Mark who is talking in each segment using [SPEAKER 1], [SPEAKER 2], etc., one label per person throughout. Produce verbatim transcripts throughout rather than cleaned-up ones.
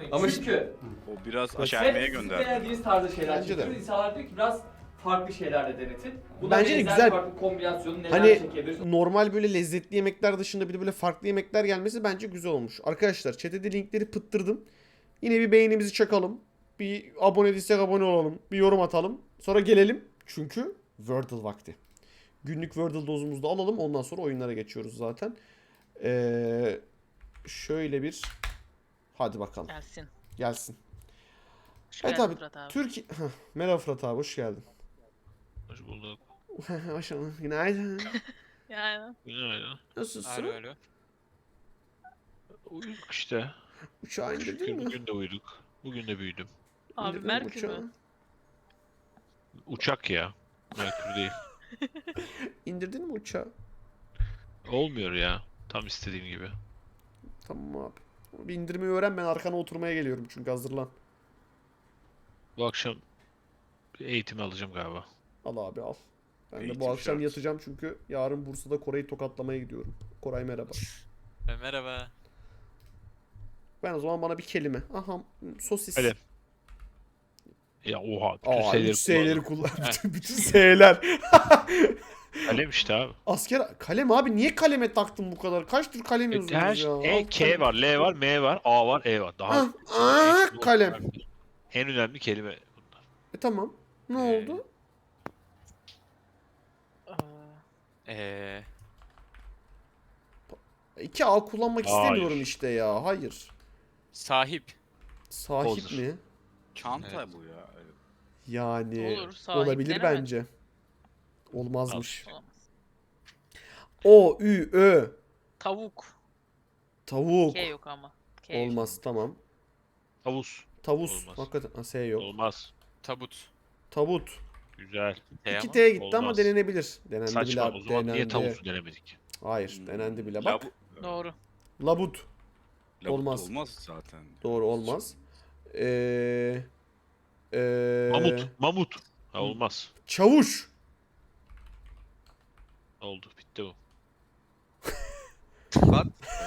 [SPEAKER 1] Ama
[SPEAKER 2] çünkü
[SPEAKER 3] O biraz
[SPEAKER 2] hep
[SPEAKER 3] aşermeye
[SPEAKER 2] sizin
[SPEAKER 3] gönderdi.
[SPEAKER 2] beğendiğiniz tarzda şeyler
[SPEAKER 1] Bence de.
[SPEAKER 2] çekiyoruz. İnsanlar diyor ki biraz farklı şeyler de denetin. Buna
[SPEAKER 1] Bence de
[SPEAKER 2] benzer
[SPEAKER 1] güzel.
[SPEAKER 2] farklı kombinasyonu neler
[SPEAKER 1] Hani
[SPEAKER 2] çekebiliriz?
[SPEAKER 1] normal böyle lezzetli yemekler dışında bir de böyle farklı yemekler gelmesi bence güzel olmuş. Arkadaşlar chat'e linkleri pıttırdım. Yine bir beğenimizi çakalım. Bir abone değilsek abone olalım. Bir yorum atalım. Sonra gelelim. Çünkü Wordle vakti. Günlük Wordle dozumuzu da alalım. Ondan sonra oyunlara geçiyoruz zaten. Ee, şöyle bir... Hadi bakalım.
[SPEAKER 4] Gelsin.
[SPEAKER 1] Gelsin.
[SPEAKER 4] Hoş
[SPEAKER 1] Evet
[SPEAKER 4] geldin
[SPEAKER 1] abi.
[SPEAKER 4] Fırat abi.
[SPEAKER 1] Türkiye... Heh, merhaba Fırat abi. Hoş geldin.
[SPEAKER 5] Hoş bulduk.
[SPEAKER 1] Hoş geldin. Günaydın.
[SPEAKER 4] Yani.
[SPEAKER 5] Günaydın.
[SPEAKER 1] Nasılsın?
[SPEAKER 5] Alo alo. Uyuduk işte.
[SPEAKER 1] Uçağa indirdin
[SPEAKER 5] Şükür
[SPEAKER 1] mi?
[SPEAKER 5] bugün de uyuduk. Bugün de büyüdüm.
[SPEAKER 4] Abi
[SPEAKER 1] İndirdin mi
[SPEAKER 4] Merkür
[SPEAKER 1] uçağı?
[SPEAKER 4] mü?
[SPEAKER 5] Uçak ya. Merkür değil.
[SPEAKER 1] İndirdin mi uçağı?
[SPEAKER 5] Olmuyor ya. Tam istediğim gibi.
[SPEAKER 1] Tamam abi. Bir indirmeyi öğren, ben arkana oturmaya geliyorum çünkü hazırlan.
[SPEAKER 5] Bu akşam bir eğitim alacağım galiba.
[SPEAKER 1] Al abi al. Ben de
[SPEAKER 3] Eğitim
[SPEAKER 1] bu akşam
[SPEAKER 3] şart.
[SPEAKER 1] yatacağım çünkü yarın Bursa'da Kore'yi tokatlamaya gidiyorum. Koray merhaba.
[SPEAKER 6] E, merhaba.
[SPEAKER 1] Ben o zaman bana bir kelime. Aha sosis.
[SPEAKER 5] Hadi. Ya oha. Bütün
[SPEAKER 1] Aa,
[SPEAKER 5] S'leri
[SPEAKER 1] üç S'leri
[SPEAKER 5] kullandım.
[SPEAKER 1] kullan. bütün, bütün S'ler.
[SPEAKER 5] Kalem işte abi.
[SPEAKER 1] Asker kalem abi, niye kaleme taktın bu kadar? Kaç tür kalem
[SPEAKER 5] E,
[SPEAKER 1] yazıyorsunuz
[SPEAKER 5] her
[SPEAKER 1] ya?
[SPEAKER 5] E,
[SPEAKER 1] Al
[SPEAKER 5] K
[SPEAKER 1] kalem.
[SPEAKER 5] var, L var, M var, A var, E var. Daha
[SPEAKER 1] Ah, ah,
[SPEAKER 5] en-
[SPEAKER 1] kalem.
[SPEAKER 5] En önemli kelime bunlar.
[SPEAKER 1] E tamam. Ne
[SPEAKER 6] Ee,
[SPEAKER 1] oldu?
[SPEAKER 6] Eee
[SPEAKER 1] iki A kullanmak
[SPEAKER 5] Hayır.
[SPEAKER 1] istemiyorum işte ya. Hayır.
[SPEAKER 6] sahip.
[SPEAKER 1] Sahip
[SPEAKER 5] Olur.
[SPEAKER 1] mi?
[SPEAKER 3] Çanta
[SPEAKER 6] Evet.
[SPEAKER 3] bu ya. Evet.
[SPEAKER 1] Yani
[SPEAKER 4] Olur, sahip
[SPEAKER 1] olabilir
[SPEAKER 4] denemez.
[SPEAKER 1] bence. Olmazmış.
[SPEAKER 4] Olamaz.
[SPEAKER 1] O, Ü, Ö.
[SPEAKER 4] Tavuk.
[SPEAKER 1] Tavuk.
[SPEAKER 4] K yok ama. K yok.
[SPEAKER 1] Olmaz, tamam.
[SPEAKER 5] Havuz.
[SPEAKER 1] Tavus.
[SPEAKER 5] Olmaz.
[SPEAKER 1] Hakikaten ha, S yok.
[SPEAKER 5] Olmaz.
[SPEAKER 6] Tabut.
[SPEAKER 1] Tavut.
[SPEAKER 5] Güzel.
[SPEAKER 6] T
[SPEAKER 1] iki
[SPEAKER 6] ama.
[SPEAKER 1] T'ye gitti ama
[SPEAKER 5] Olmaz.
[SPEAKER 1] denenebilir. Denendi bile
[SPEAKER 5] Saçma.
[SPEAKER 1] abi.
[SPEAKER 5] O zaman niye
[SPEAKER 1] Denendi.
[SPEAKER 5] tavuzu denemedik?
[SPEAKER 1] Hayır,
[SPEAKER 3] Hmm,
[SPEAKER 1] denendi bile. Bak.
[SPEAKER 3] Labu-
[SPEAKER 4] Doğru.
[SPEAKER 1] Labut.
[SPEAKER 3] Labut
[SPEAKER 1] Olmaz.
[SPEAKER 3] olmaz zaten.
[SPEAKER 1] Doğru, olmaz. Ee, ee,
[SPEAKER 5] Mamut. Mamut. Ha, olmaz.
[SPEAKER 1] Çavuş.
[SPEAKER 5] Oldu. Bitti bu.
[SPEAKER 3] Tokat.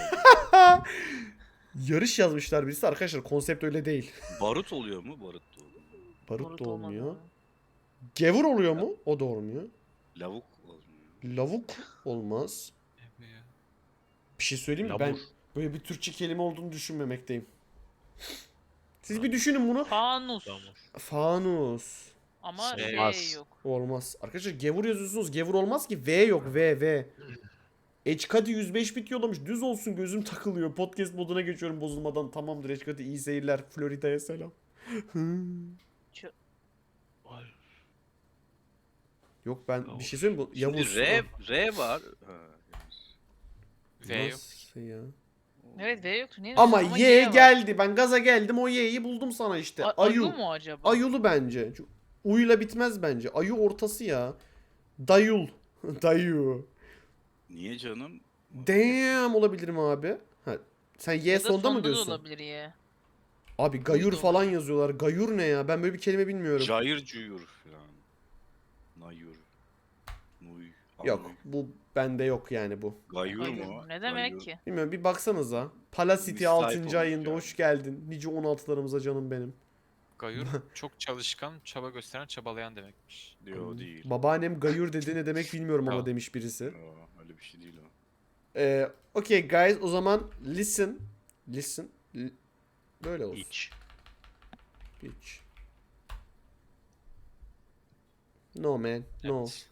[SPEAKER 1] Yarış yazmışlar birisi. Arkadaşlar konsept öyle değil.
[SPEAKER 3] Barut oluyor mu? Barut da oluyor.
[SPEAKER 1] Barut
[SPEAKER 4] Barut
[SPEAKER 1] da olmuyor.
[SPEAKER 4] olmadı.
[SPEAKER 1] Gevur oluyor mu? O da olmuyor.
[SPEAKER 3] Lavuk olmuyor.
[SPEAKER 1] Lavuk olmaz. Bir şey söyleyeyim mi?
[SPEAKER 5] Labur.
[SPEAKER 1] Ben böyle bir Türkçe kelime olduğunu düşünmemekteyim. Siz bir düşünün bunu.
[SPEAKER 4] Fanus.
[SPEAKER 5] Tamam.
[SPEAKER 1] Fanus.
[SPEAKER 4] Ama R
[SPEAKER 5] Olmaz.
[SPEAKER 4] yok.
[SPEAKER 1] Olmaz. Arkadaşlar gevur yazıyorsunuz. Gevur olmaz ki. V yok. V, V. Eçkadi yüz beş bit yollamış. Düz olsun, gözüm takılıyor. Podcast moduna geçiyorum bozulmadan. Tamamdır Eçkadi, iyi seyirler. Florida'ya selam.
[SPEAKER 5] Vay.
[SPEAKER 1] Yok ben bir
[SPEAKER 5] Yavuz.
[SPEAKER 1] şey söyleyeyim mi? Bu
[SPEAKER 3] Şimdi
[SPEAKER 1] Yavuz.
[SPEAKER 3] R, R var. Ha,
[SPEAKER 6] V yok.
[SPEAKER 1] Nasıl ya?
[SPEAKER 4] Evet V yoktu. Niye
[SPEAKER 1] Ama,
[SPEAKER 4] diyorsun?
[SPEAKER 1] Y,
[SPEAKER 4] var.
[SPEAKER 1] geldi. Ben gaza geldim. O Y'yi buldum sana işte.
[SPEAKER 4] A-
[SPEAKER 1] Ayu.
[SPEAKER 4] Ayu mu acaba?
[SPEAKER 1] Ayulu bence. Şu Uyla bitmez bence. Ayu ortası ya. Dayul. Dayu.
[SPEAKER 3] Niye canım?
[SPEAKER 1] Damn olabilir mi abi? Ha, sen Y
[SPEAKER 4] Ya da
[SPEAKER 1] sonda mı
[SPEAKER 4] da
[SPEAKER 1] diyorsun?
[SPEAKER 4] olabilir Y.
[SPEAKER 1] Abi gayur
[SPEAKER 4] Uydu
[SPEAKER 1] falan
[SPEAKER 4] olabilir.
[SPEAKER 1] yazıyorlar. Gayur ne ya? Ben böyle bir kelime bilmiyorum.
[SPEAKER 3] Cayır cuyur falan. Nayur. Nuy.
[SPEAKER 1] Yok,
[SPEAKER 3] Anuy.
[SPEAKER 1] bu bende yok yani bu.
[SPEAKER 3] Gayur
[SPEAKER 4] Gayur.
[SPEAKER 3] mu?
[SPEAKER 4] Ne demek
[SPEAKER 3] Gayur.
[SPEAKER 4] ki?
[SPEAKER 1] Bilmiyorum, bir baksanıza. Palacity
[SPEAKER 3] Müsait
[SPEAKER 1] altıncı
[SPEAKER 3] olmuş
[SPEAKER 1] ayında
[SPEAKER 3] yani.
[SPEAKER 1] hoş geldin. Nice on altılarımıza canım benim.
[SPEAKER 6] Gayur çok çalışkan, çaba gösteren, çabalayan demekmiş.
[SPEAKER 3] Yo değil.
[SPEAKER 1] Babaannem gayur dedi ne demek bilmiyorum ama
[SPEAKER 6] Tamam.
[SPEAKER 1] demiş birisi.
[SPEAKER 3] Yo, öyle bir şey değil o.
[SPEAKER 1] Ee, okay guys, o zaman listen. Listen. L- Böyle olsun.
[SPEAKER 5] İç.
[SPEAKER 1] Hiç. No man. No.
[SPEAKER 6] Evet.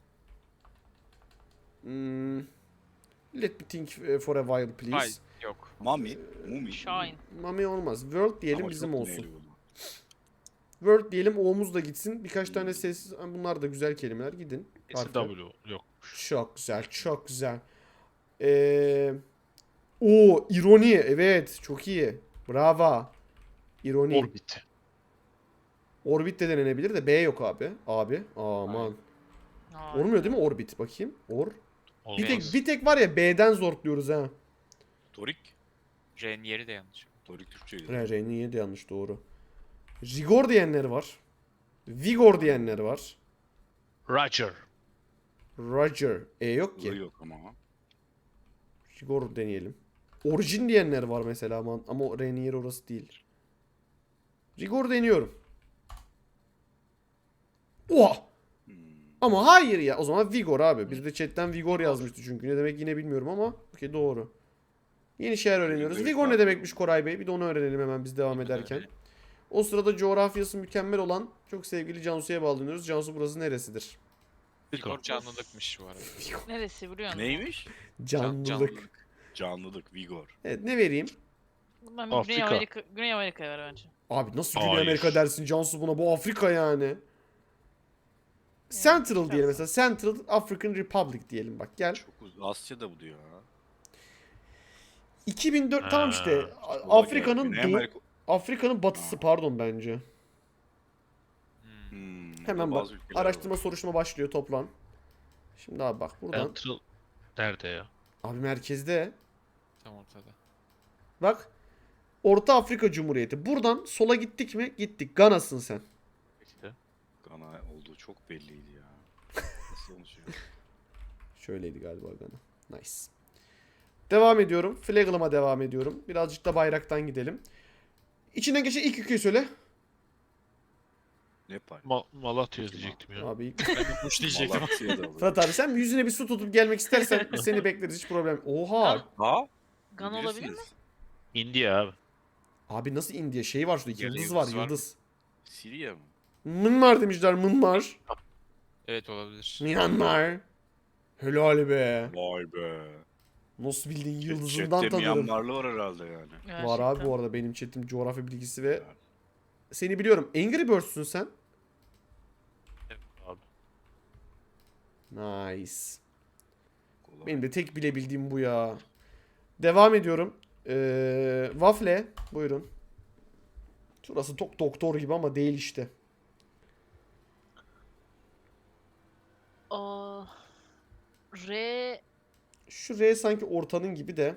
[SPEAKER 1] Hmm. Let me think uh, for a while please.
[SPEAKER 6] Hayır, yok.
[SPEAKER 3] Mami. Mumi.
[SPEAKER 4] Shine.
[SPEAKER 1] Mami olmaz. World diyelim,
[SPEAKER 3] Ama
[SPEAKER 1] bizim
[SPEAKER 3] çok
[SPEAKER 1] olsun.
[SPEAKER 3] neyli oldu.
[SPEAKER 1] World diyelim, O'muz da gitsin. Birkaç tane sessiz, bunlar da güzel kelimeler, gidin.
[SPEAKER 5] Kesin
[SPEAKER 1] Harfler.
[SPEAKER 5] W yok.
[SPEAKER 1] Çok güzel, çok güzel. Ee, o ironi, evet, çok iyi. Bravo. İroni.
[SPEAKER 5] Orbit.
[SPEAKER 1] Orbit de denenebilir de B yok abi. Abi, aman.
[SPEAKER 4] Aa,
[SPEAKER 1] Olmuyor değil mi orbit? Bakayım. Or.
[SPEAKER 5] Olmaz.
[SPEAKER 1] Bir tek, bir tek var ya B'den zorluyoruz ha.
[SPEAKER 3] Torik.
[SPEAKER 6] J'nin yeri de yanlış.
[SPEAKER 3] Torik Türkçeydi.
[SPEAKER 1] Re, R'nin yedi yanlış, doğru. Rigor diyenler var. Vigor diyenler var.
[SPEAKER 5] Roger.
[SPEAKER 1] Roger. E yok
[SPEAKER 3] I
[SPEAKER 1] ki.
[SPEAKER 3] yok ama.
[SPEAKER 1] Rigor deneyelim. Orijin diyenler var mesela ama, ama o R'nin yeri orası değil. Rigor deniyorum. Oha!
[SPEAKER 3] Hmm.
[SPEAKER 1] Ama hayır ya. O zaman Vigor abi. Bir de chatten Vigor yazmıştı çünkü. Ne demek yine bilmiyorum ama. Okey, doğru. Yeni şeyler öğreniyoruz.
[SPEAKER 3] Rigor
[SPEAKER 1] Vigor ne
[SPEAKER 3] farklı.
[SPEAKER 1] demekmiş Koray Bey? Bir de onu öğrenelim hemen biz devam ederken. O sırada coğrafyası mükemmel olan çok sevgili Cansu'ya bağlanıyoruz. Cansu, burası neresidir?
[SPEAKER 6] Vigor canlılıkmış bu arada.
[SPEAKER 4] Neresi biliyor musun?
[SPEAKER 3] Neymiş?
[SPEAKER 1] Canlılık.
[SPEAKER 6] canlılık.
[SPEAKER 3] Canlılık, vigor.
[SPEAKER 1] Evet, ne vereyim?
[SPEAKER 4] Ben Güney
[SPEAKER 5] Afrika.
[SPEAKER 4] Amerika, Güney Amerika'ya ver bence.
[SPEAKER 1] Abi nasıl Güney
[SPEAKER 5] Hayır.
[SPEAKER 1] Amerika dersin Cansu buna? Bu Afrika yani. Central
[SPEAKER 4] biraz
[SPEAKER 1] diyelim
[SPEAKER 4] da.
[SPEAKER 1] mesela. Central African Republic diyelim bak gel.
[SPEAKER 3] Çok uzun. Asya'da bu diyor ha.
[SPEAKER 1] iki bin dört tamam işte.
[SPEAKER 5] Ha,
[SPEAKER 3] Sola
[SPEAKER 1] Afrika'nın
[SPEAKER 3] gel. Güney
[SPEAKER 1] doğu,
[SPEAKER 3] Amerika-
[SPEAKER 1] Afrika'nın batısı pardon bence.
[SPEAKER 6] Hmm.
[SPEAKER 3] Hmm,
[SPEAKER 1] Hemen bak.
[SPEAKER 3] bazı ülkeler
[SPEAKER 1] Araştırma
[SPEAKER 3] var.
[SPEAKER 1] soruşturma başlıyor, toplan. Şimdi abi bak buradan.
[SPEAKER 5] Central nerede ya?
[SPEAKER 1] Abi merkezde.
[SPEAKER 6] Tam ortada.
[SPEAKER 1] Bak. Orta Afrika Cumhuriyeti. Buradan sola gittik mi? Gittik. Gana'sın sen.
[SPEAKER 5] İşte.
[SPEAKER 3] Gana olduğu çok belliydi ya. Nasıl konuşuyor?
[SPEAKER 1] Şöyleydi galiba Gana. Nice. Devam ediyorum. Flagel'ıma devam ediyorum. Birazcık da bayraktan gidelim. İçinden geçen ilk ülkeyi söyle.
[SPEAKER 3] Nepal.
[SPEAKER 5] Ma Malatya diyecektim ya.
[SPEAKER 1] Abi.
[SPEAKER 6] Ben de Bush diyecektim.
[SPEAKER 3] Malatya'da olur.
[SPEAKER 1] Fırat abi sen yüzüne bir su tutup gelmek istersen seni bekleriz, hiç problem. Oha.
[SPEAKER 3] Ha?
[SPEAKER 4] Gan olabilir mi?
[SPEAKER 3] Bilirsiniz.
[SPEAKER 5] India abi.
[SPEAKER 1] Abi nasıl India? Şey var şurada.
[SPEAKER 6] Yerde
[SPEAKER 1] Yıldız var
[SPEAKER 6] yıldız var mı?
[SPEAKER 1] yıldız.
[SPEAKER 3] Siriye mi?
[SPEAKER 1] Myanmar demişler, Myanmar.
[SPEAKER 6] Evet olabilir.
[SPEAKER 1] Myanmar. Helal be.
[SPEAKER 3] Vay be.
[SPEAKER 1] Nasıl bildiğin
[SPEAKER 3] Chatte
[SPEAKER 1] yıldızından tanırım.
[SPEAKER 3] Myanmarlı var herhalde yani.
[SPEAKER 1] Var abi bu arada benim chatim coğrafya bilgisi ve seni biliyorum. Angry Birds'ün sen.
[SPEAKER 5] Evet abi.
[SPEAKER 1] Nice.
[SPEAKER 3] Kolay.
[SPEAKER 1] Benim de tek bilebildiğim bu ya. Devam ediyorum. Ee, Waffle. Buyurun. Şurası çok doktor gibi ama değil işte.
[SPEAKER 4] Aa, R
[SPEAKER 1] Şu R sanki ortanın gibi de.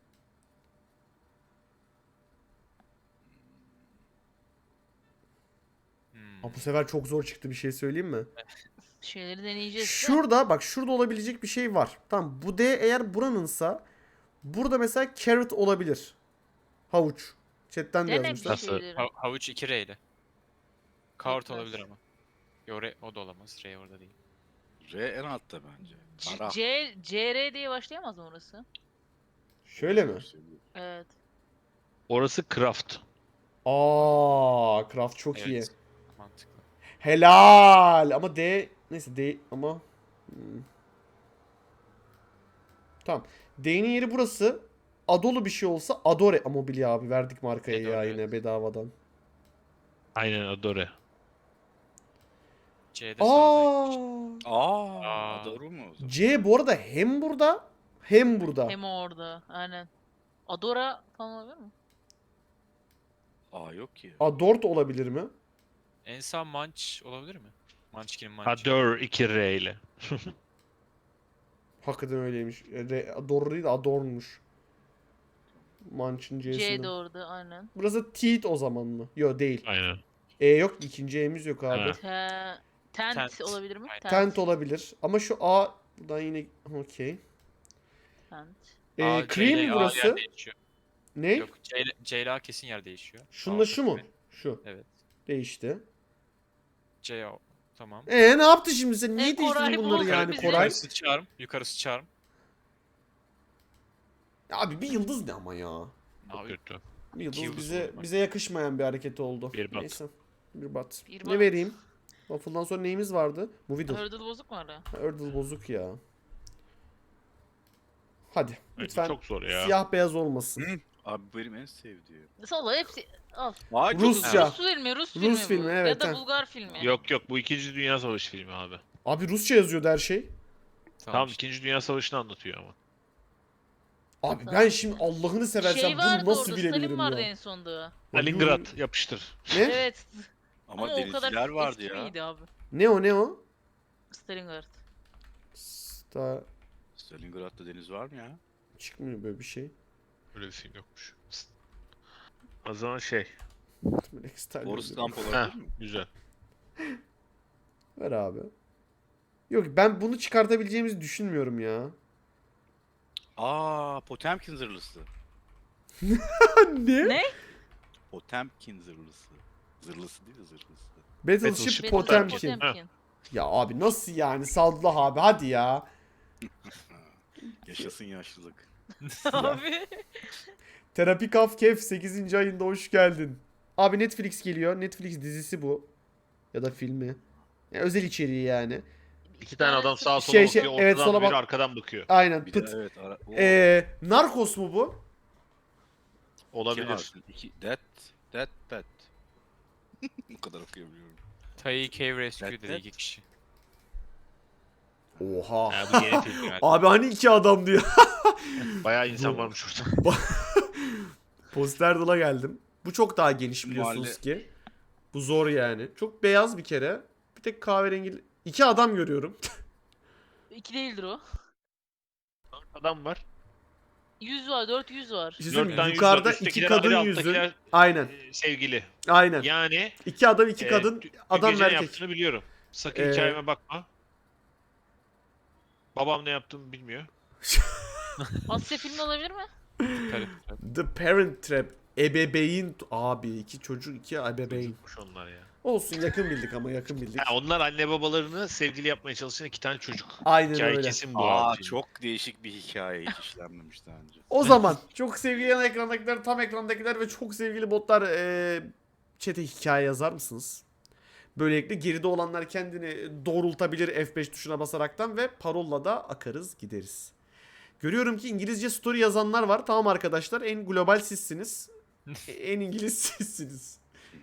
[SPEAKER 6] Hmm.
[SPEAKER 1] Ha, bu sefer çok zor çıktı, bir şey söyleyeyim mi?
[SPEAKER 4] şeyleri deneyeceğiz. de.
[SPEAKER 1] Şurada bak, şurada olabilecek bir şey var. Tamam, bu D eğer buranınsa burada mesela carrot olabilir. Havuç. Chatten de
[SPEAKER 4] Dene bir
[SPEAKER 1] yazmışlar.
[SPEAKER 5] Nasıl?
[SPEAKER 4] şeyleri.
[SPEAKER 6] Ha- havuç iki R ile. Kart
[SPEAKER 4] Tekrar.
[SPEAKER 6] olabilir ama. Yo R, o da olamaz. R orada değil.
[SPEAKER 3] R en altta bence.
[SPEAKER 4] C,
[SPEAKER 3] Kara.
[SPEAKER 4] C, C R diye başlayamaz mı orası?
[SPEAKER 1] Şöyle mi?
[SPEAKER 4] Evet.
[SPEAKER 5] Orası Craft.
[SPEAKER 1] Aa, craft çok
[SPEAKER 6] Evet.
[SPEAKER 1] iyi.
[SPEAKER 6] Mantıklı.
[SPEAKER 1] Helal. Ama D neyse D ama hmm. Tamam. D'nin yeri burası. Adolu bir şey olsa Adore. Ama Mobilya abi verdik markaya ya
[SPEAKER 6] Adore,
[SPEAKER 1] yine
[SPEAKER 6] evet.
[SPEAKER 1] bedavadan.
[SPEAKER 5] Aynen Adore.
[SPEAKER 6] C'de sağda.
[SPEAKER 1] Aa.
[SPEAKER 3] Aa,
[SPEAKER 6] Aa.
[SPEAKER 3] doğru mu o zaman?
[SPEAKER 1] C bu arada hem burada hem burada.
[SPEAKER 4] Hem orada. Aynen. Adora falan olabilir mi?
[SPEAKER 3] Aa yok ki.
[SPEAKER 1] Adort olabilir mi?
[SPEAKER 6] En sağ Munch olabilir mi? Munchkin'in Munch'i.
[SPEAKER 5] Adore iki R ile.
[SPEAKER 1] Hakikaten öyleymiş. Re, doğru değil de Adorn'muş. Munch'ın
[SPEAKER 4] C
[SPEAKER 1] C'sini.
[SPEAKER 4] de orada aynen.
[SPEAKER 1] Burası Teeth o zaman mı? Yok değil.
[SPEAKER 5] Aynen.
[SPEAKER 1] E yok, ikinci E'miz yok abi.
[SPEAKER 5] Ha.
[SPEAKER 4] Te, tent,
[SPEAKER 6] Tent.
[SPEAKER 4] olabilir mi?
[SPEAKER 6] Aynen.
[SPEAKER 1] Tent olabilir. Ama şu A buradan yine okey.
[SPEAKER 4] Tent.
[SPEAKER 1] Ee,
[SPEAKER 6] Aa, C
[SPEAKER 1] cream
[SPEAKER 6] ile
[SPEAKER 1] mi
[SPEAKER 6] A
[SPEAKER 1] burası?
[SPEAKER 6] yer değişiyor.
[SPEAKER 1] Ne?
[SPEAKER 6] Yok C ile, C ile A kesin yer değişiyor.
[SPEAKER 1] Şununla
[SPEAKER 6] A
[SPEAKER 1] şu mu?
[SPEAKER 6] ve-
[SPEAKER 1] Şu.
[SPEAKER 6] Evet.
[SPEAKER 1] Değişti.
[SPEAKER 6] C o. Tamam.
[SPEAKER 1] Ee ne yaptı şimdi sen? Niye
[SPEAKER 4] E, Koray
[SPEAKER 1] değiştirdin bunları
[SPEAKER 4] buldu
[SPEAKER 1] yani
[SPEAKER 4] bizi.
[SPEAKER 1] Koray?
[SPEAKER 6] Yukarısı çağırım. Yukarısı çağırım.
[SPEAKER 1] Abi bir yıldız ne ama ya?
[SPEAKER 5] Çok
[SPEAKER 6] Abi
[SPEAKER 5] kötü.
[SPEAKER 1] Bir yıldız
[SPEAKER 6] yıldız
[SPEAKER 1] bize
[SPEAKER 6] oldu bak.
[SPEAKER 1] bize yakışmayan bir hareket oldu.
[SPEAKER 5] Bir bat.
[SPEAKER 1] Neyse. Bir bat.
[SPEAKER 4] Bir
[SPEAKER 1] ne
[SPEAKER 4] bat.
[SPEAKER 1] vereyim? Waffle'dan sonra neyimiz vardı? Movidle.
[SPEAKER 4] Hurdle bozuk mu orada?
[SPEAKER 1] Ha, Erdal bozuk ya. Hadi.
[SPEAKER 5] Bence
[SPEAKER 1] Lütfen
[SPEAKER 5] çok zor ya.
[SPEAKER 1] siyah beyaz olmasın.
[SPEAKER 3] Hı. Abi benim en sevdiğim.
[SPEAKER 4] Salla hepsi al.
[SPEAKER 3] Ay, çok
[SPEAKER 1] Rusça.
[SPEAKER 3] güzel.
[SPEAKER 4] Rus filmi, Rus,
[SPEAKER 1] Rus
[SPEAKER 4] filmi
[SPEAKER 1] filmi,
[SPEAKER 4] bu.
[SPEAKER 1] evet,
[SPEAKER 4] Ya da
[SPEAKER 1] ha.
[SPEAKER 4] Bulgar filmi.
[SPEAKER 5] Yok yok, bu İkinci Dünya Savaşı filmi abi.
[SPEAKER 1] Abi Rusça yazıyordu her şey.
[SPEAKER 5] Tamam,
[SPEAKER 6] işte.
[SPEAKER 5] İkinci Dünya Savaşı'nı anlatıyor ama.
[SPEAKER 1] Abi ben şimdi Allah'ını seversen
[SPEAKER 4] Şey vardı
[SPEAKER 1] bunu nasıl
[SPEAKER 4] orada,
[SPEAKER 1] bilebilirim
[SPEAKER 4] Stalin vardı
[SPEAKER 1] ya?
[SPEAKER 4] en sonda.
[SPEAKER 5] Stalingrad yapıştır.
[SPEAKER 1] Ne?
[SPEAKER 4] Evet.
[SPEAKER 3] Ama,
[SPEAKER 4] Ama, o kadar
[SPEAKER 3] denizciler vardı
[SPEAKER 4] eski
[SPEAKER 3] ya.
[SPEAKER 4] miydi abi?
[SPEAKER 1] Ne o ne o?
[SPEAKER 4] Stalingrad.
[SPEAKER 1] Sta
[SPEAKER 3] Stalingrad'da deniz var mı ya?
[SPEAKER 1] çıkmıyor böyle bir şey.
[SPEAKER 5] Öyle bir film yokmuş. O zaman şey.
[SPEAKER 1] Böyle Stalin
[SPEAKER 3] Boris
[SPEAKER 1] yazıyor.
[SPEAKER 3] Lamp
[SPEAKER 5] Heh,
[SPEAKER 3] olabilir mi?
[SPEAKER 5] güzel.
[SPEAKER 1] Ver abi. Yok ben bunu çıkartabileceğimizi düşünmüyorum ya.
[SPEAKER 3] Aa, Potemkin zırhlısı.
[SPEAKER 1] ne?
[SPEAKER 4] Ne?
[SPEAKER 3] Potemkin zırhlısı. Zırhlısı değil de zırhlısı.
[SPEAKER 1] Battleship
[SPEAKER 5] Battleship
[SPEAKER 1] Potemkin.
[SPEAKER 4] Potemkin.
[SPEAKER 1] Ya abi nasıl yani Sadullah abi hadi ya.
[SPEAKER 3] Yaşasın yaşlılık.
[SPEAKER 4] Abi.
[SPEAKER 1] Terapi Kaf Kef sekizinci ayında hoş geldin. Abi Netflix geliyor. Netflix dizisi bu. Ya da filmi. Ya özel içeriği yani.
[SPEAKER 5] İki tane adam sağa sola
[SPEAKER 1] Şey, şey,
[SPEAKER 5] bakıyor,
[SPEAKER 1] evet,
[SPEAKER 5] ortadan
[SPEAKER 1] sola
[SPEAKER 5] biri
[SPEAKER 1] bak-
[SPEAKER 5] arkadan bakıyor.
[SPEAKER 1] Aynen
[SPEAKER 3] Bir de
[SPEAKER 1] pıt.
[SPEAKER 3] evet. Ara, o,
[SPEAKER 1] Ee, Narcos mu bu?
[SPEAKER 3] iki
[SPEAKER 5] Olabilir.
[SPEAKER 3] harfli, iki, that, that, that. Bu kadar okuyabiliyorum.
[SPEAKER 6] Tai Cave Rescue
[SPEAKER 3] That-
[SPEAKER 6] dedi
[SPEAKER 3] that.
[SPEAKER 6] iki kişi.
[SPEAKER 1] Oha.
[SPEAKER 5] Ya bu yeni film yani.
[SPEAKER 1] Abi hani iki adam diyor.
[SPEAKER 5] Bayağı insan varmış orada.
[SPEAKER 1] Posterdal'a geldim. Bu çok daha geniş biliyorsunuz
[SPEAKER 3] Mahalle-
[SPEAKER 1] ki. Bu zor yani. Çok beyaz bir kere. Bir tek kahverengi. İki adam görüyorum.
[SPEAKER 4] İki değildir o.
[SPEAKER 5] Adam var.
[SPEAKER 4] Yüz var, dört yüz var.
[SPEAKER 1] Bir şey
[SPEAKER 5] Dört
[SPEAKER 1] söyleyeyim mi?
[SPEAKER 5] tane yüz
[SPEAKER 1] Yukarıda
[SPEAKER 5] var.
[SPEAKER 1] iki
[SPEAKER 5] Üsttekiler
[SPEAKER 1] kadın
[SPEAKER 5] ayrı,
[SPEAKER 1] yüzü.
[SPEAKER 5] alttakiler,
[SPEAKER 1] Aynen.
[SPEAKER 5] e, sevgili.
[SPEAKER 1] Aynen.
[SPEAKER 5] Yani
[SPEAKER 1] İki adam iki
[SPEAKER 5] e,
[SPEAKER 1] kadın.
[SPEAKER 5] dün- dün
[SPEAKER 1] Adam
[SPEAKER 5] gece
[SPEAKER 1] ve
[SPEAKER 5] ne
[SPEAKER 1] erkek.
[SPEAKER 5] yaptığını biliyorum. Sakın
[SPEAKER 1] Ee,
[SPEAKER 5] hikayeme bakma. Babam ne yaptığımı bilmiyor.
[SPEAKER 4] Asya filmi olabilir mi?
[SPEAKER 6] Tabii, tabii.
[SPEAKER 1] The Parent Trap. Ebeveyn. Abi iki çocuk iki ebeveyn.
[SPEAKER 5] Çocukmuş onlar ya.
[SPEAKER 1] Olsun yakın bildik ama yakın bildik.
[SPEAKER 5] Ha, onlar anne babalarını sevgili yapmaya çalışan iki tane çocuk.
[SPEAKER 1] Aynen
[SPEAKER 5] Hikaye
[SPEAKER 1] öyle.
[SPEAKER 5] kesin bu
[SPEAKER 3] Aa
[SPEAKER 5] abi.
[SPEAKER 3] çok değişik bir hikaye hiç işlenmemiş daha önce.
[SPEAKER 1] O zaman çok sevgili yan ekrandakiler, tam ekrandakiler ve çok sevgili botlar eee chat'e hikaye yazar mısınız? Böylelikle geride olanlar kendini doğrultabilir F beş tuşuna basaraktan ve parolla da akarız gideriz. Görüyorum ki İngilizce story yazanlar var. Tamam arkadaşlar, en global sizsiniz. E, en İngiliz sizsiniz.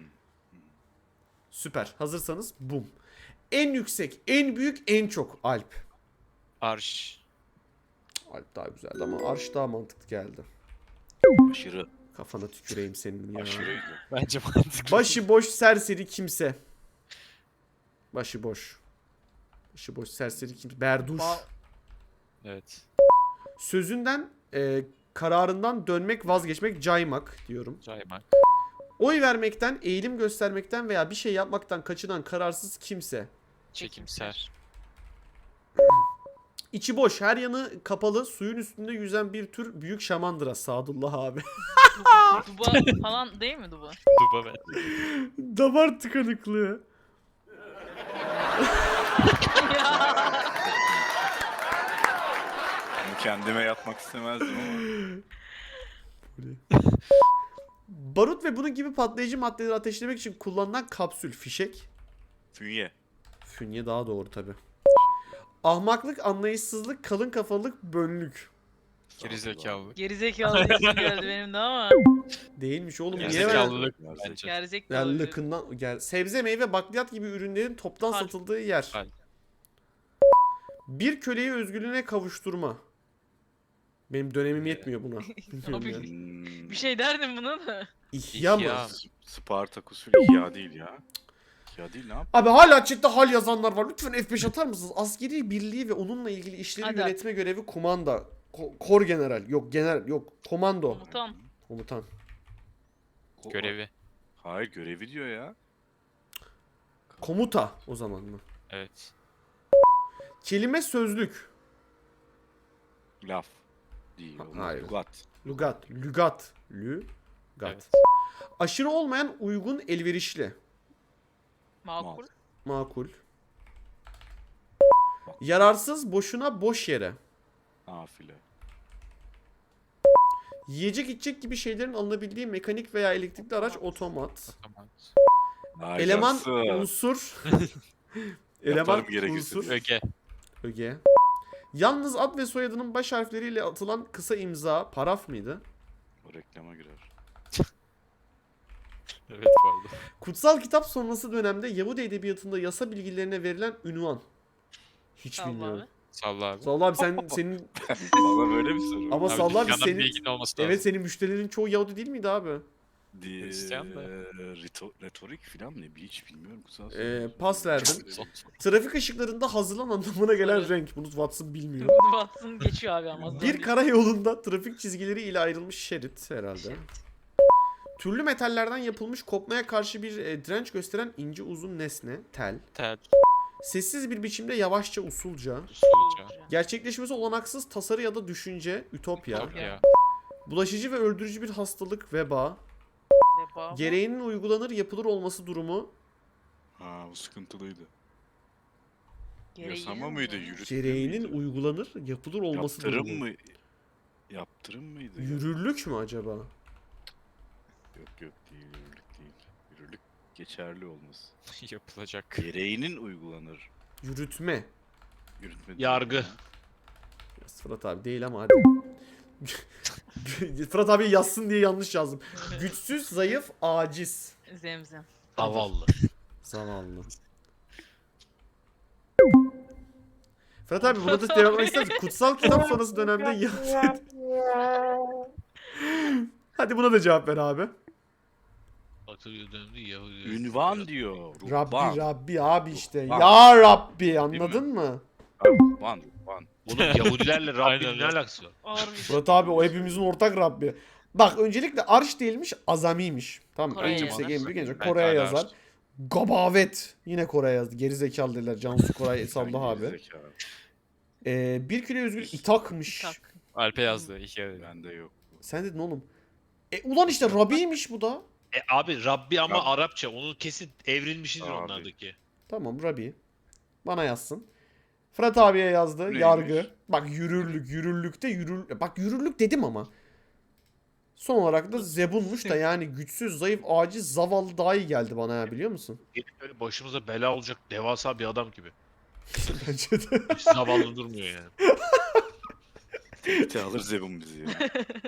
[SPEAKER 1] Süper. Hazırsanız bum. En yüksek, en büyük, en çok Alp.
[SPEAKER 6] Arş.
[SPEAKER 1] Alp daha güzeldi ama Arş daha mantıklı geldi.
[SPEAKER 3] Aşırı,
[SPEAKER 1] Kafana tüküreyim senin ya.
[SPEAKER 3] aşırıydı.
[SPEAKER 6] Bence mantıklı.
[SPEAKER 1] Başıboş serseri kimse. Başıboş. Başıboş serseri kimse. Berduş.
[SPEAKER 4] Ba-
[SPEAKER 6] Evet.
[SPEAKER 1] Sözünden, e, kararından dönmek, vazgeçmek, caymak diyorum.
[SPEAKER 6] Caymak.
[SPEAKER 1] Oy vermekten, eğilim göstermekten veya bir şey yapmaktan kaçınan kararsız kimse.
[SPEAKER 6] Çekimser.
[SPEAKER 1] İçi boş, her yanı kapalı, suyun üstünde yüzen bir tür büyük şamandıra. Sadullah abi.
[SPEAKER 4] Duba falan değil mi Duba?
[SPEAKER 6] Duba ben.
[SPEAKER 1] Damar tıkanıklığı.
[SPEAKER 3] Bunu kendime yapmak istemezdim ama.
[SPEAKER 1] Barut ve bunun gibi patlayıcı maddeleri ateşlemek için kullanılan kapsül, fişek.
[SPEAKER 3] Fünye.
[SPEAKER 1] Fünye daha doğru tabi. Ahmaklık, anlayışsızlık, kalın kafalılık, bönlük.
[SPEAKER 6] Gerizekalılık.
[SPEAKER 4] Gerizekalı isim geldi benim de ama.
[SPEAKER 1] Değilmiş oğlum. Niye
[SPEAKER 6] Gerizekalılık
[SPEAKER 1] verdin?
[SPEAKER 6] bence.
[SPEAKER 4] Gerizekalı.
[SPEAKER 1] Yani
[SPEAKER 4] diyorum.
[SPEAKER 1] lıkından gel. Sebze, meyve, bakliyat gibi ürünlerin toptan
[SPEAKER 4] Kalp.
[SPEAKER 1] satıldığı yer.
[SPEAKER 6] Kalp.
[SPEAKER 1] Bir köleyi özgürlüğüne kavuşturma. Benim dönemim yetmiyor buna. Bilmiyorum
[SPEAKER 4] Abi,
[SPEAKER 1] yani.
[SPEAKER 3] Hmm.
[SPEAKER 4] Bir şey derdim buna da.
[SPEAKER 1] İhya mı?
[SPEAKER 6] İhya.
[SPEAKER 3] S- Spartaküsül ihya değil ya. İhya değil ne yap?
[SPEAKER 1] Abi hala chatte hal yazanlar var. Lütfen F beş atar mısınız? Askeri birliği ve onunla ilgili işleri
[SPEAKER 4] Hadi.
[SPEAKER 1] yönetme görevi kumanda. Ko- kor general. Yok general. Yok komando.
[SPEAKER 4] Komutan.
[SPEAKER 1] Komutan.
[SPEAKER 3] Ko-
[SPEAKER 6] Görevi.
[SPEAKER 3] Hayır görevi diyor ya.
[SPEAKER 1] Komuta o zaman mı?
[SPEAKER 6] Evet.
[SPEAKER 1] Kelime sözlük.
[SPEAKER 3] Laf. Değil.
[SPEAKER 1] Ha-
[SPEAKER 3] olmaz.
[SPEAKER 1] hayır.
[SPEAKER 3] Lugat.
[SPEAKER 1] Lugat. Lügat. Lügat.
[SPEAKER 6] Evet.
[SPEAKER 1] Aşırı olmayan uygun elverişli.
[SPEAKER 4] Makul.
[SPEAKER 1] Makul. Yararsız boşuna boş yere.
[SPEAKER 3] Nafile.
[SPEAKER 1] Yiyecek içecek gibi şeylerin alınabildiği mekanik veya elektrikli araç otomat.
[SPEAKER 6] Tamam.
[SPEAKER 1] Eleman
[SPEAKER 3] Harikası.
[SPEAKER 1] unsur. Eleman
[SPEAKER 3] Yaparım gerekirse.
[SPEAKER 1] unsur.
[SPEAKER 6] Öge.
[SPEAKER 1] Öge. Yalnız ad ve soyadının baş harfleriyle atılan kısa imza. Paraf mıydı?
[SPEAKER 3] O reklama girer.
[SPEAKER 6] Evet pardon.
[SPEAKER 1] Kutsal kitap sonrası dönemde Yahudi edebiyatında yasa bilgilerine verilen ünvan. Hiç
[SPEAKER 4] Salla
[SPEAKER 1] bilmiyorum.
[SPEAKER 4] abi.
[SPEAKER 6] Salla abi.
[SPEAKER 1] Salla abi sen senin
[SPEAKER 3] Bana böyle mi soru?
[SPEAKER 1] ama
[SPEAKER 6] Abi
[SPEAKER 1] Salla abi
[SPEAKER 6] dükkanın
[SPEAKER 1] senin
[SPEAKER 6] bilginin olması lazım.
[SPEAKER 1] evet senin müşterilerin çoğu Yahudi değil miydi abi?
[SPEAKER 3] Di-
[SPEAKER 6] Hristiyan da.
[SPEAKER 3] reto- retorik falan ne? Bir hiç bilmiyorum. Kutsal
[SPEAKER 1] Ee,
[SPEAKER 3] soru.
[SPEAKER 1] pas verdim.
[SPEAKER 6] Son-
[SPEAKER 1] Trafik ışıklarında hazırlan anlamına gelen
[SPEAKER 4] Evet.
[SPEAKER 1] renk. Bunu Watson bilmiyor.
[SPEAKER 4] Watson geçiyor abi ama.
[SPEAKER 1] Bir karayolunda trafik çizgileri ile ayrılmış şerit herhalde.
[SPEAKER 4] Şerit.
[SPEAKER 1] Türlü metallerden yapılmış kopmaya karşı bir e, direnç gösteren ince uzun nesne, tel.
[SPEAKER 6] Tel.
[SPEAKER 1] Sessiz bir biçimde yavaşça usulca.
[SPEAKER 6] Usulca.
[SPEAKER 1] Gerçekleşmesi olanaksız tasarı ya da düşünce, ütopya.
[SPEAKER 6] Ütopya.
[SPEAKER 1] Bulaşıcı ve öldürücü bir hastalık, veba.
[SPEAKER 4] acaba? bu?
[SPEAKER 1] Gereğinin uygulanır yapılır olması durumu.
[SPEAKER 3] Ha bu sıkıntılıydı.
[SPEAKER 4] Gereği
[SPEAKER 3] Yasama
[SPEAKER 4] mi
[SPEAKER 3] mıydı?
[SPEAKER 4] bu?
[SPEAKER 3] Yürütme
[SPEAKER 1] Gereğinin
[SPEAKER 3] miydi?
[SPEAKER 1] uygulanır yapılır olması
[SPEAKER 3] Yaptırım
[SPEAKER 1] durumu.
[SPEAKER 3] mı? Yaptırım mıydı?
[SPEAKER 1] Yürürlük mü acaba?
[SPEAKER 3] Yok yok değil, yürürlük değil. Yürürlük geçerli olması.
[SPEAKER 6] Yapılacak.
[SPEAKER 3] Gereğinin uygulanır.
[SPEAKER 1] Yürütme.
[SPEAKER 3] Yürütme değil
[SPEAKER 5] Yargı.
[SPEAKER 3] ya.
[SPEAKER 1] Yaz Fırat abi değil ama hadi. Fırat abi yazsın diye yanlış yazdım. Güçsüz, zayıf, aciz.
[SPEAKER 4] Zemzem.
[SPEAKER 5] Zavallı.
[SPEAKER 1] Zavallı. Fırat abi buna da devam etmek ister misin? Kutsal kitap sonrası dönemde Yahudi... Hadi buna da cevap ver abi.
[SPEAKER 5] Batı dönemde Yahudi.
[SPEAKER 3] Ünvan diyor.
[SPEAKER 1] Rabbi
[SPEAKER 3] Ruhban.
[SPEAKER 1] Rabbi abi işte.
[SPEAKER 3] Ruhban.
[SPEAKER 1] Ya Rabbi anladın mı?
[SPEAKER 3] Ruhban. Ruhban.
[SPEAKER 5] Oğlum Yahudilerle Rabbinin
[SPEAKER 6] Aynen
[SPEAKER 5] ne
[SPEAKER 6] öyle.
[SPEAKER 5] alakası var?
[SPEAKER 4] Harbi.
[SPEAKER 1] Fırat abi o hepimizin ortak Rabbi. Bak öncelikle arş değilmiş azamiymiş. Tamam
[SPEAKER 4] Kore'ye
[SPEAKER 1] en yüksek
[SPEAKER 6] yazar.
[SPEAKER 1] en büyük en yüksek
[SPEAKER 6] Belki
[SPEAKER 1] Kore'ye
[SPEAKER 6] hala
[SPEAKER 1] yazar.
[SPEAKER 6] arş.
[SPEAKER 1] Gabavet yine Kore yazdı. Geri zekalı dediler. Cansu Koray Sablah abi.
[SPEAKER 3] Gerizekalı.
[SPEAKER 1] Ee, bir kilo özgür itakmış.
[SPEAKER 4] Tak.
[SPEAKER 6] Alpe yazdı. İki kere.
[SPEAKER 3] Bende yok.
[SPEAKER 1] Sen dedin oğlum. E ulan işte Rabi'ymiş bu da.
[SPEAKER 5] E abi Rabbi ama
[SPEAKER 3] Rabbi.
[SPEAKER 5] Arapça. Onun kesin evrilmişidir
[SPEAKER 3] Abi.
[SPEAKER 5] onlardaki.
[SPEAKER 1] Tamam Rabi. Bana yazsın. Fırat abiye yazdı.
[SPEAKER 3] Neymiş?
[SPEAKER 1] Yargı. Bak yürürlük. Yürürlükte yürür... Bak yürürlük dedim ama. Son olarak da zebunmuş da yani güçsüz, zayıf, aciz, zavallı daha iyi geldi bana ya biliyor musun?
[SPEAKER 5] Gelip böyle başımıza bela olacak devasa bir adam gibi.
[SPEAKER 1] Bence de.
[SPEAKER 5] Hiç zavallı durmuyor yani.
[SPEAKER 3] Tekte alır zebun bizi ya.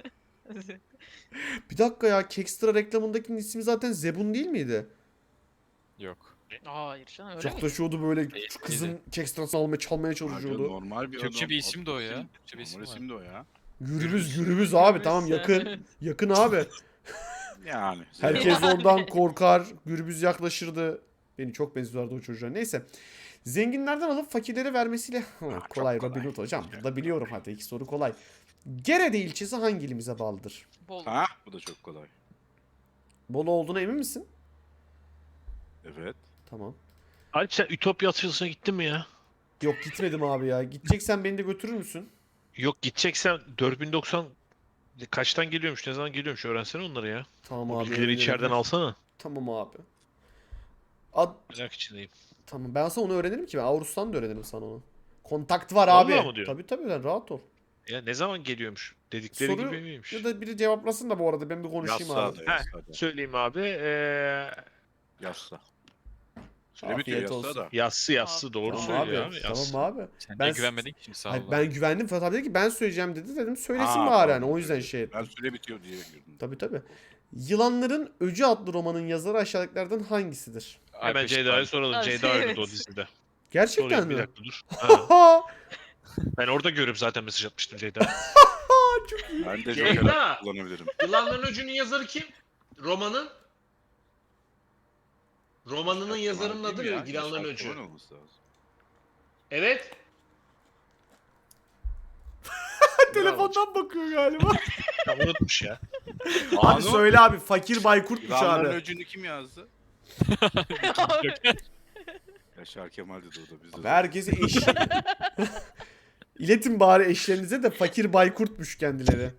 [SPEAKER 1] Bir dakika ya Kekstra reklamındakinin ismi zaten Zebun değil miydi?
[SPEAKER 6] Yok.
[SPEAKER 4] Hayır canım öyle
[SPEAKER 1] Çok
[SPEAKER 4] mi?
[SPEAKER 1] taşıyordu böyle
[SPEAKER 6] Değil,
[SPEAKER 1] şu kızın Kekstra'sını almaya çalmaya
[SPEAKER 3] Abi
[SPEAKER 1] çalışıyordu.
[SPEAKER 3] normal bir
[SPEAKER 6] Türkçe
[SPEAKER 3] adam.
[SPEAKER 6] bir isim de o ya.
[SPEAKER 3] Adı
[SPEAKER 6] Türkçe bir isim
[SPEAKER 3] Normal
[SPEAKER 6] var.
[SPEAKER 3] isim de o ya.
[SPEAKER 1] Gürbüz gürbüz abi tamam yakın.
[SPEAKER 4] Evet.
[SPEAKER 1] Yakın abi.
[SPEAKER 3] Yani.
[SPEAKER 1] Herkes ondan korkar. Gürbüz yaklaşırdı. Beni çok benziyorlardı o çocuğa. Neyse. Zenginlerden alıp fakirlere vermesiyle... Ha,
[SPEAKER 3] çok
[SPEAKER 1] kolay
[SPEAKER 3] kolay.
[SPEAKER 1] Robin Hood hocam.
[SPEAKER 3] Çok
[SPEAKER 1] Burada biliyorum hadi iki soru kolay. Gerede ilçesi hangi ilimize bağlıdır?
[SPEAKER 4] Bol.
[SPEAKER 3] Ha bu da çok kolay.
[SPEAKER 1] Bolu olduğuna emin misin?
[SPEAKER 3] Evet.
[SPEAKER 1] Tamam.
[SPEAKER 5] Alp sen Ütopya açılışına gittin mi ya?
[SPEAKER 1] Yok gitmedim abi ya. Gideceksen beni de götürür müsün?
[SPEAKER 5] Yok gideceksen dört bin doksan kaçtan geliyormuş, ne zaman geliyormuş öğrensene onları ya.
[SPEAKER 1] Tamam
[SPEAKER 5] O
[SPEAKER 1] abi.
[SPEAKER 5] bilgileri
[SPEAKER 1] öğrenirim.
[SPEAKER 5] içeriden alsana.
[SPEAKER 1] Tamam abi. Ad...
[SPEAKER 5] Merak içindeyim.
[SPEAKER 1] Tamam ben sana onu öğrenirim ki ben Avrus'tan da öğrenirim sana onu. Kontakt var
[SPEAKER 5] Vallahi
[SPEAKER 1] abi.
[SPEAKER 5] mı diyor?
[SPEAKER 1] Tabii tabii sen rahat ol.
[SPEAKER 5] Ya ne zaman geliyormuş? Dedikleri
[SPEAKER 1] Soru
[SPEAKER 5] gibi miymiş?
[SPEAKER 1] ya da biri cevaplasın da bu arada ben bir konuşayım
[SPEAKER 3] Yassa
[SPEAKER 1] abi.
[SPEAKER 3] da
[SPEAKER 5] Ha,
[SPEAKER 3] yassa da.
[SPEAKER 5] Söyleyeyim abi. Ee,
[SPEAKER 3] Yassa. Süre bitiyor
[SPEAKER 1] Afiyet
[SPEAKER 3] yassa
[SPEAKER 1] olsun.
[SPEAKER 3] da.
[SPEAKER 5] yassı yassı doğru
[SPEAKER 1] Tamam
[SPEAKER 5] söylüyor
[SPEAKER 1] abi.
[SPEAKER 5] abi. Yassı.
[SPEAKER 1] Tamam abi.
[SPEAKER 6] Sen
[SPEAKER 1] Ben-
[SPEAKER 6] ben... güvenmedin ki şimdi sağ ol.
[SPEAKER 1] Hayır, ben güvendim. Fırat abi dedi ki ben söyleyeceğim dedi. Dedim söylesin
[SPEAKER 3] Aa,
[SPEAKER 1] bari
[SPEAKER 3] tamam.
[SPEAKER 1] yani. O yüzden şey
[SPEAKER 3] Ben
[SPEAKER 1] ettim.
[SPEAKER 3] süre bitiyor diye girdim.
[SPEAKER 1] Tabii tabii. Yılanların Öcü adlı romanın yazarı aşağıdakilerden hangisidir?
[SPEAKER 5] Hemen Ceyda'ya soralım.
[SPEAKER 4] Abi,
[SPEAKER 5] Ceyda oynadı
[SPEAKER 4] evet.
[SPEAKER 5] o dizide.
[SPEAKER 1] Gerçekten
[SPEAKER 5] Sorayım bir
[SPEAKER 1] mi?
[SPEAKER 5] dakika dur. Ha,
[SPEAKER 1] Ha!
[SPEAKER 5] ben orada görüp zaten mesaj atmıştım Ceyda'ya.
[SPEAKER 3] Ben de
[SPEAKER 5] Ceyda!
[SPEAKER 3] Joker kullanabilirim.
[SPEAKER 5] Yılanların Öcü'nün yazarı kim? Romanın? Romanının yazarının adı
[SPEAKER 3] Değil mi
[SPEAKER 5] ne?
[SPEAKER 3] ya?
[SPEAKER 5] Yılanların
[SPEAKER 3] Yaşar
[SPEAKER 5] Öcü.
[SPEAKER 3] Kemal olması lazım.
[SPEAKER 5] Evet.
[SPEAKER 1] Telefondan bakıyor galiba.
[SPEAKER 5] Ya, unutmuş ya.
[SPEAKER 1] Hadi
[SPEAKER 3] Anu,
[SPEAKER 1] söyle abi. Fakir Baykurtmuş
[SPEAKER 3] Yılanların
[SPEAKER 1] abi.
[SPEAKER 3] öcünü kim yazdı? Yaşar Kemal dedi o da bizde.
[SPEAKER 1] Abi
[SPEAKER 3] de.
[SPEAKER 1] herkese eş. İletin bari eşlerinize de Fakir Baykurtmuş kendileri.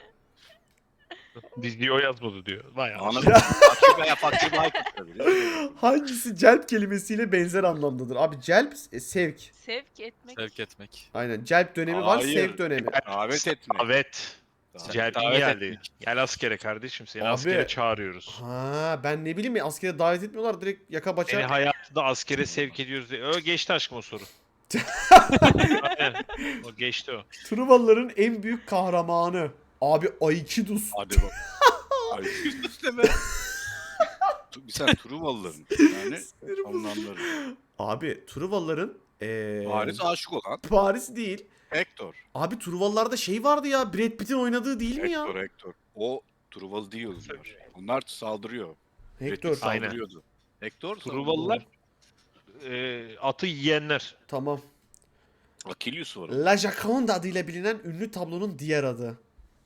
[SPEAKER 5] Diziyi o yazmadı diyor. Vay
[SPEAKER 3] Ana
[SPEAKER 5] anasını.
[SPEAKER 3] fakir veya fakir Baykurt tabii.
[SPEAKER 1] Hangisi celp kelimesiyle benzer anlamdadır? Abi celp e, sevk.
[SPEAKER 4] Sevk etmek.
[SPEAKER 6] Sevk etmek.
[SPEAKER 1] Aynen celp dönemi var,
[SPEAKER 3] Hayır.
[SPEAKER 1] sevk dönemi.
[SPEAKER 3] Davet etmek.
[SPEAKER 5] Evet.
[SPEAKER 3] Davet-
[SPEAKER 5] Celp'in
[SPEAKER 6] davet
[SPEAKER 5] geldi.
[SPEAKER 6] etmek.
[SPEAKER 5] Gel askere kardeşim seni
[SPEAKER 1] Abi.
[SPEAKER 5] askere çağırıyoruz.
[SPEAKER 1] Ha ben ne bileyim ya askere davet etmiyorlar direkt yaka
[SPEAKER 5] Seni
[SPEAKER 1] baça.
[SPEAKER 5] hayatında askere sevk ediyoruz diye. O geçti aşkım o soru. Aynen. O geçti o.
[SPEAKER 1] Truvalıların en büyük kahramanı. Abi Aikidus.
[SPEAKER 3] Hadi bak. Ay Kristus deme. Tu- Bir sen Truvalıların yani
[SPEAKER 1] Sinirim bozuldu.
[SPEAKER 3] anlamları.
[SPEAKER 1] Abi Truvalıların ee,
[SPEAKER 3] Paris aşık olan
[SPEAKER 1] Paris değil.
[SPEAKER 3] Hector.
[SPEAKER 1] Abi Truvalılarda şey vardı ya Brad Pitt'in oynadığı değil mi ya?
[SPEAKER 3] Hector, Hector. O Truvalı değil onlar. Onlar saldırıyor.
[SPEAKER 1] Hector.
[SPEAKER 3] Brad Pitt
[SPEAKER 5] Aynen.
[SPEAKER 3] saldırıyordu. Hector
[SPEAKER 5] Truvalılar e, atı yiyenler.
[SPEAKER 1] Tamam.
[SPEAKER 3] Achilles var.
[SPEAKER 1] La Joconde adıyla bilinen ünlü tablonun diğer adı.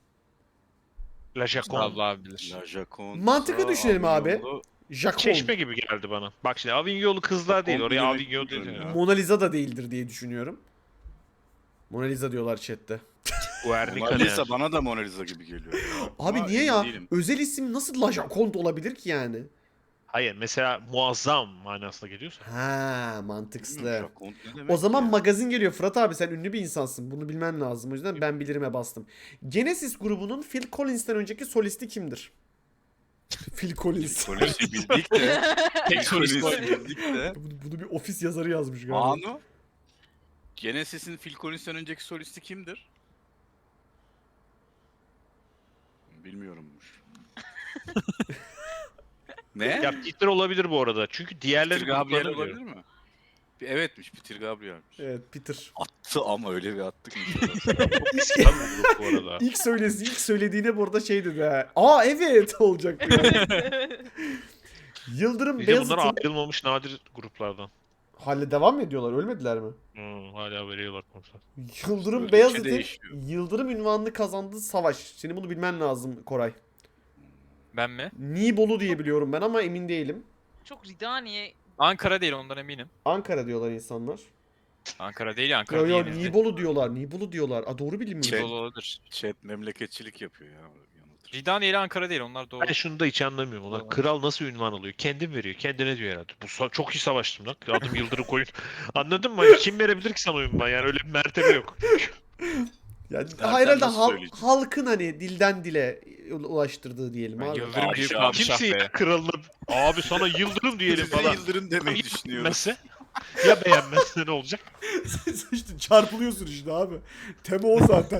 [SPEAKER 5] La Jaconde.
[SPEAKER 6] Allah abi bilir.
[SPEAKER 3] La Joconde.
[SPEAKER 1] Mantıklı düşünelim abi.
[SPEAKER 3] Avignon'lu-
[SPEAKER 1] Joconde.
[SPEAKER 5] Çeşme gibi geldi bana. Bak şimdi Avignon'lu kızlar değil. Oraya
[SPEAKER 3] Jaconde
[SPEAKER 5] Avignon
[SPEAKER 3] demek
[SPEAKER 5] değil.
[SPEAKER 3] ya.
[SPEAKER 5] Ya.
[SPEAKER 1] Mona Lisa da değildir diye düşünüyorum. Mona Lisa diyorlar chatte.
[SPEAKER 5] Guernica
[SPEAKER 3] Mona
[SPEAKER 5] ne
[SPEAKER 3] Lisa
[SPEAKER 5] ya?
[SPEAKER 3] bana da Mona Lisa gibi geliyor.
[SPEAKER 1] Abi
[SPEAKER 3] Ama
[SPEAKER 1] niye
[SPEAKER 3] emin
[SPEAKER 1] ya?
[SPEAKER 3] değilim.
[SPEAKER 1] Özel isim nasıl La Joconde olabilir ki yani?
[SPEAKER 5] Hayır mesela muazzam manasına geliyorsa.
[SPEAKER 1] Ha,
[SPEAKER 3] Bilmiyorum,
[SPEAKER 1] mantıkslı.
[SPEAKER 3] Joconde ne demek
[SPEAKER 1] O zaman
[SPEAKER 3] ya?
[SPEAKER 1] magazin geliyor. Fırat abi sen ünlü bir insansın. Bunu bilmen lazım. O yüzden ben bilirime bastım. Genesis grubunun Phil Collins'ten önceki solisti kimdir? Phil Collins.
[SPEAKER 3] Polisi bildik de.
[SPEAKER 6] Tek solist
[SPEAKER 3] Polisi
[SPEAKER 6] bu.
[SPEAKER 3] bildik de.
[SPEAKER 1] bunu, bunu bir ofis yazarı yazmış galiba.
[SPEAKER 3] Manu. Genesis'in Phil Collins'ten önceki solisti kimdir? Bilmiyorummuş. ne?
[SPEAKER 5] Ya Peter olabilir bu arada. Çünkü diğerleri
[SPEAKER 3] Peter Gabriel
[SPEAKER 5] gruplarını
[SPEAKER 3] olabilir
[SPEAKER 5] biliyorum.
[SPEAKER 3] mi? Evet,miş Peter Gabriel'miş.
[SPEAKER 1] Evet Peter.
[SPEAKER 3] Attı ama öyle bir attık ki.
[SPEAKER 5] Çok eski lan bu grup bu arada.
[SPEAKER 1] İlk söylesi, ilk söylediğine burada şey dedi ha. Aa evet olacak bu yani. Yıldırım
[SPEAKER 5] Bir de bunlar
[SPEAKER 1] Beyazıt'ın...
[SPEAKER 5] ayrılmamış nadir gruplardan.
[SPEAKER 1] Hala devam mı ediyorlar? Ölmediler mi?
[SPEAKER 5] Hmm, hala veriyorlar konser.
[SPEAKER 1] Yıldırım
[SPEAKER 3] Öldükçe
[SPEAKER 1] Beyazıt'ın
[SPEAKER 3] değişiyor.
[SPEAKER 1] Yıldırım ünvanını kazandığı savaş. Senin bunu bilmen lazım Koray.
[SPEAKER 6] Ben mi?
[SPEAKER 1] Nibolu diye biliyorum ben ama emin değilim.
[SPEAKER 4] Çok Ridaniye
[SPEAKER 6] Ankara değil ondan eminim.
[SPEAKER 1] Ankara diyorlar insanlar.
[SPEAKER 6] Ankara değil ya, Ankara
[SPEAKER 1] Yo yo
[SPEAKER 6] değil.
[SPEAKER 1] Nibolu diyorlar. Nibolu diyorlar. Aa doğru bilmiyorum.
[SPEAKER 3] Şey-
[SPEAKER 6] Nibolu olabilir.
[SPEAKER 3] Chat memleketçilik yapıyor ya. Yanıltır.
[SPEAKER 6] Ridaniye ile Ankara değil, onlar doğru.
[SPEAKER 5] Ben şunu da hiç anlamıyorum. Ulan kral nasıl ünvan alıyor? Kendim veriyor. Kendine diyor herhalde. Bu sa- çok iyi savaştım lan. Adım Yıldırım koyun. Anladın mı? Hani kim verebilir ki sana ünvan? Yani öyle bir mertebe yok.
[SPEAKER 1] Yani
[SPEAKER 3] Zaten
[SPEAKER 1] herhalde
[SPEAKER 3] nasıl
[SPEAKER 1] hal-
[SPEAKER 3] söyleyeceğim?
[SPEAKER 1] halkın hani dilden dile ulaştırdığı diyelim
[SPEAKER 6] Ben
[SPEAKER 1] abi.
[SPEAKER 6] Yıldırım büyük
[SPEAKER 3] Padişah.
[SPEAKER 6] padişah
[SPEAKER 5] Kimse
[SPEAKER 6] be.
[SPEAKER 5] ya kralına abi sana Yıldırım diyelim
[SPEAKER 3] Biz de
[SPEAKER 5] falan.
[SPEAKER 3] Yıldırım demeyi düşünüyoruz.
[SPEAKER 5] Beğenmezse? Ya beğenmezse ne olacak?
[SPEAKER 1] işte çarpılıyorsun işte abi. Tema o zaten.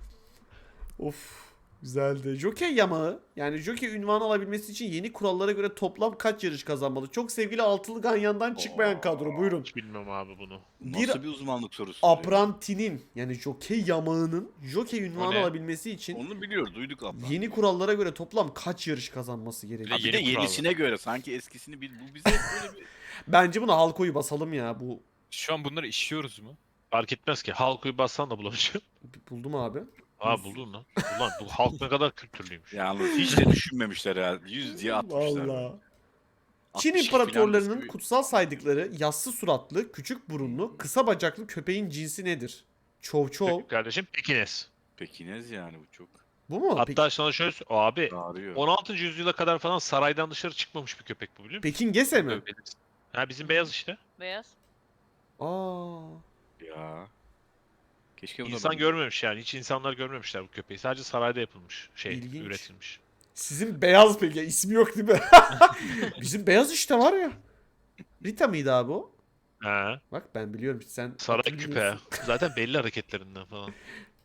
[SPEAKER 1] Of. Güzeldi. Jockey yamağı. Yani jockey ünvanı alabilmesi için yeni kurallara göre toplam kaç yarış kazanmalı? Çok sevgili altılı ganyandan çıkmayan kadro. Buyurun.
[SPEAKER 5] Hiç bilmem abi bunu.
[SPEAKER 1] Bir
[SPEAKER 3] Nasıl bir uzmanlık sorusu?
[SPEAKER 1] Aprantinin yani jockey yamağının jockey ünvanı
[SPEAKER 6] ne?
[SPEAKER 1] alabilmesi için
[SPEAKER 3] Onu biliyoruz, duyduk abla.
[SPEAKER 1] yeni kurallara göre toplam kaç yarış kazanması gerekiyor?
[SPEAKER 3] Ha, bir de
[SPEAKER 6] Yeni kural.
[SPEAKER 3] yenisine göre sanki eskisini bil. Bu bize hep böyle bir...
[SPEAKER 1] Bence buna halkoyu basalım ya. Bu
[SPEAKER 6] Şu an bunları işliyoruz mu?
[SPEAKER 5] Fark etmez ki. Halkı bassan da bulamayacağım.
[SPEAKER 1] buldum abi.
[SPEAKER 5] Aa buldun lan. Ulan bu halk ne kadar kültürlüymüş.
[SPEAKER 3] Yalnız hiç de düşünmemişler herhalde. Yüz diye atmışlar.
[SPEAKER 1] Vallahi. Çin
[SPEAKER 3] altmış falan
[SPEAKER 1] imparatorlarının
[SPEAKER 3] bisküvi.
[SPEAKER 1] kutsal saydıkları yassı suratlı, küçük burunlu, kısa bacaklı köpeğin cinsi nedir? Çov çov.
[SPEAKER 5] Kardeşim Pekines.
[SPEAKER 3] Pekines yani bu çok
[SPEAKER 1] Bu mu?
[SPEAKER 5] Hatta
[SPEAKER 1] Peki,
[SPEAKER 5] sana şöyle sö- abi
[SPEAKER 3] ağrıyor.
[SPEAKER 5] on altıncı yüzyıla kadar falan saraydan dışarı çıkmamış bir köpek bu biliyor musun?
[SPEAKER 1] Pekin Gese mi?
[SPEAKER 6] Belirsiz.
[SPEAKER 5] Ha bizim beyaz işte.
[SPEAKER 4] beyaz.
[SPEAKER 1] Aa.
[SPEAKER 3] Ya. Keşke bu da
[SPEAKER 5] İnsan
[SPEAKER 3] ben-
[SPEAKER 5] görmemiş yani. Hiç insanlar görmemişler bu köpeği. Sadece sarayda yapılmış. Şey
[SPEAKER 1] İlginç.
[SPEAKER 5] üretilmiş.
[SPEAKER 1] Sizin beyaz peki. Ya, ismi yok değil mi? Bizim beyaz işte var ya. Rita mıydı abi o?
[SPEAKER 5] Ha.
[SPEAKER 1] Bak ben biliyorum. Sen
[SPEAKER 5] Saray
[SPEAKER 1] hatırlıyorsun.
[SPEAKER 5] küpe. Zaten belli hareketlerinden falan.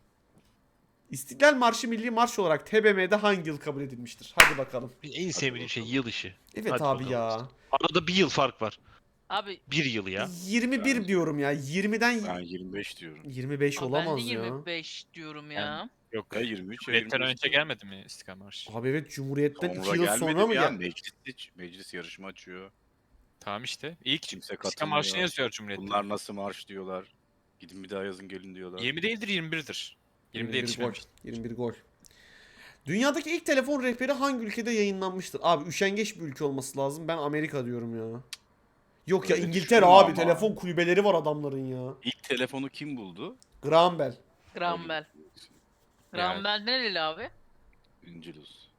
[SPEAKER 1] İstiklal Marşı milli marş olarak T B M'de hangi yıl kabul edilmiştir? Hadi bakalım.
[SPEAKER 5] En sevmediğim şey yıl işi.
[SPEAKER 1] Evet
[SPEAKER 5] Hadi
[SPEAKER 1] abi
[SPEAKER 5] bakalım.
[SPEAKER 1] ya.
[SPEAKER 5] Arada bir yıl fark var.
[SPEAKER 4] Abi
[SPEAKER 5] Bir yıl ya.
[SPEAKER 1] yirmi bir
[SPEAKER 3] Ben-
[SPEAKER 1] diyorum ya. yirmiden
[SPEAKER 3] Ben yirmi beş diyorum.
[SPEAKER 1] yirmi beş
[SPEAKER 4] abi ben de
[SPEAKER 1] olamaz ya.
[SPEAKER 4] yirmi beş diyorum ya.
[SPEAKER 6] Yok.
[SPEAKER 3] Ya yirmi üç ya
[SPEAKER 6] Cumhuriyet'ten
[SPEAKER 3] yirmi beş
[SPEAKER 6] önce
[SPEAKER 3] diyorum.
[SPEAKER 6] gelmedi mi İstiklal Marşı?
[SPEAKER 1] Abi evet Cumhuriyet'ten
[SPEAKER 3] Sonra
[SPEAKER 1] iki yıl
[SPEAKER 3] gelmedi
[SPEAKER 1] sonra mı
[SPEAKER 3] ya?
[SPEAKER 1] geldi?
[SPEAKER 3] Meclis, meclis yarışma açıyor.
[SPEAKER 6] Tamam işte. İlk
[SPEAKER 3] Kimse
[SPEAKER 6] İstiklal
[SPEAKER 3] katılmıyor.
[SPEAKER 6] Marşı'nı yazıyor Cumhuriyet'te.
[SPEAKER 3] Bunlar nasıl marş diyorlar. Gidin bir daha yazın gelin diyorlar.
[SPEAKER 6] yirmi değildir, yirmi birdir. yirmide
[SPEAKER 1] yirmi bir gol.
[SPEAKER 6] yetişmemiş.
[SPEAKER 1] yirmi bir gol. Dünyadaki ilk telefon rehberi hangi ülkede yayınlanmıştır? Abi üşengeç bir ülke olması lazım. Ben Amerika diyorum ya. Yok ya
[SPEAKER 3] Öyle
[SPEAKER 1] İngiltere
[SPEAKER 3] düşünme
[SPEAKER 1] abi.
[SPEAKER 3] ama.
[SPEAKER 1] Telefon kulübeleri var adamların ya.
[SPEAKER 3] İlk telefonu kim buldu?
[SPEAKER 1] Graham Bell.
[SPEAKER 4] Graham Bell. Graham Bell nereli abi?
[SPEAKER 3] İngiliz.